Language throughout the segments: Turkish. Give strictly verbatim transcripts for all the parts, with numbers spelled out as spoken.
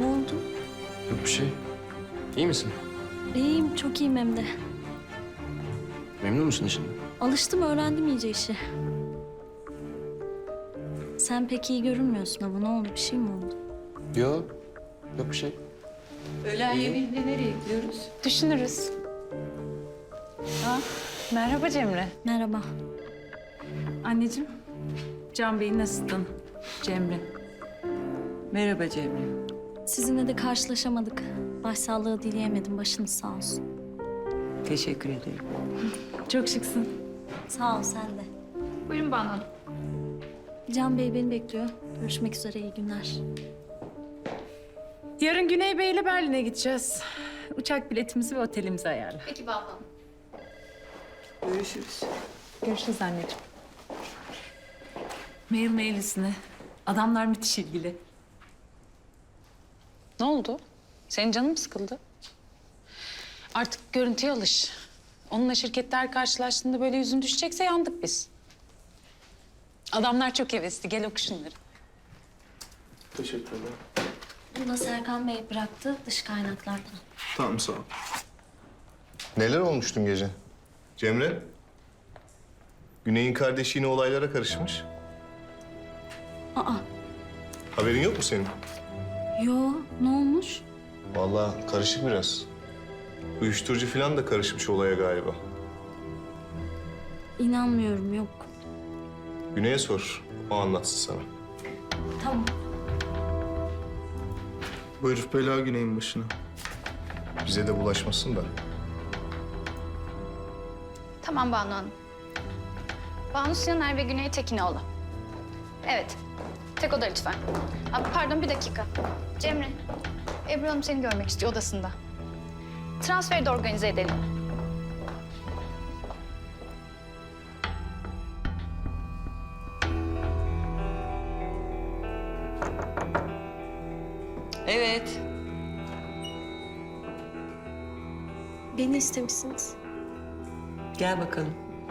Ne oldu? Yok bir şey. İyi misin? İyiyim, çok iyiyim hem de. Memnun musun işinden? Alıştım, öğrendim iyice işi. Sen pek iyi görünmüyorsun ama ne oldu? Bir şey mi oldu? Yok. Yok bir şey. Öğlen yemeğinde nereye gidiyoruz? Düşünürüz. Ha, merhaba Cemre. Merhaba. Anneciğim, Can Bey nasılsın? Cemre. Merhaba Cemre. Sizinle de karşılaşamadık. Başsağlığı dileyemedim. Başınız sağ olsun. Teşekkür ederim. Çok şıksın. Sağ ol, sen de. Buyurun Banu Hanım. Can Bey beni bekliyor. Görüşmek üzere, iyi günler. Yarın Güney Bey ile Berlin'e gideceğiz. Uçak biletimizi ve otelimizi ayarla. Peki Banu Hanım. Görüşürüz. Görüşürüz anneciğim. Mail mailisine. Adamlar müthiş ilgili. Ne oldu? Senin canın mı sıkıldı? Artık görüntüye alış. Onunla şirketler karşılaştığında böyle yüzün düşecekse yandık biz. Adamlar çok hevesli. Gel oku şunları. Teşekkür ederim. Bunu da Serkan Bey bıraktı dış kaynaklardan. Tamam, sağ ol. Neler olmuş dün gece? Cemre? Güney'in kardeşi yine olaylara karışmış. Aa, Haberin yok mu senin? yo, ne olmuş? Vallahi karışık biraz. Uyuşturucu falan da karışmış olaya galiba. İnanmıyorum, yok. Güney'e sor, o anlatsın sana. Tamam. Bu herif bela Güney'in başına. Bize de bulaşmasın da. Tamam Banu Hanım. Banu Sinaner ve Güney Tekinoğlu. Evet. Tek oda lütfen. Aa, pardon bir dakika. Cemre, Ebru Hanım seni görmek istiyor odasında. Transferi de organize edelim. Evet. Beni istemişsiniz. Gel bakalım.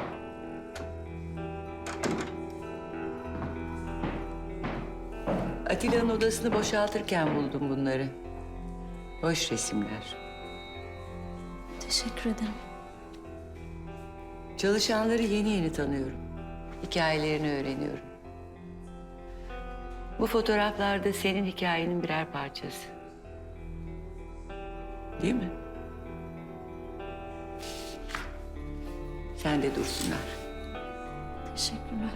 Atilla'nın odasını boşaltırken buldum bunları. Boş resimler. Teşekkür ederim. Çalışanları yeni yeni tanıyorum. Hikayelerini öğreniyorum. Bu fotoğraflar da senin hikayenin birer parçası. Değil mi? Sen de dursunlar. Teşekkürler.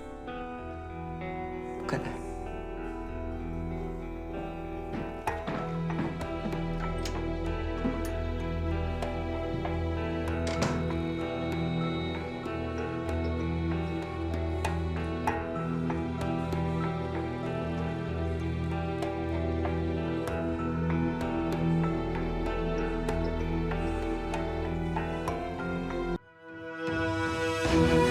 Bu kadar. Thank you.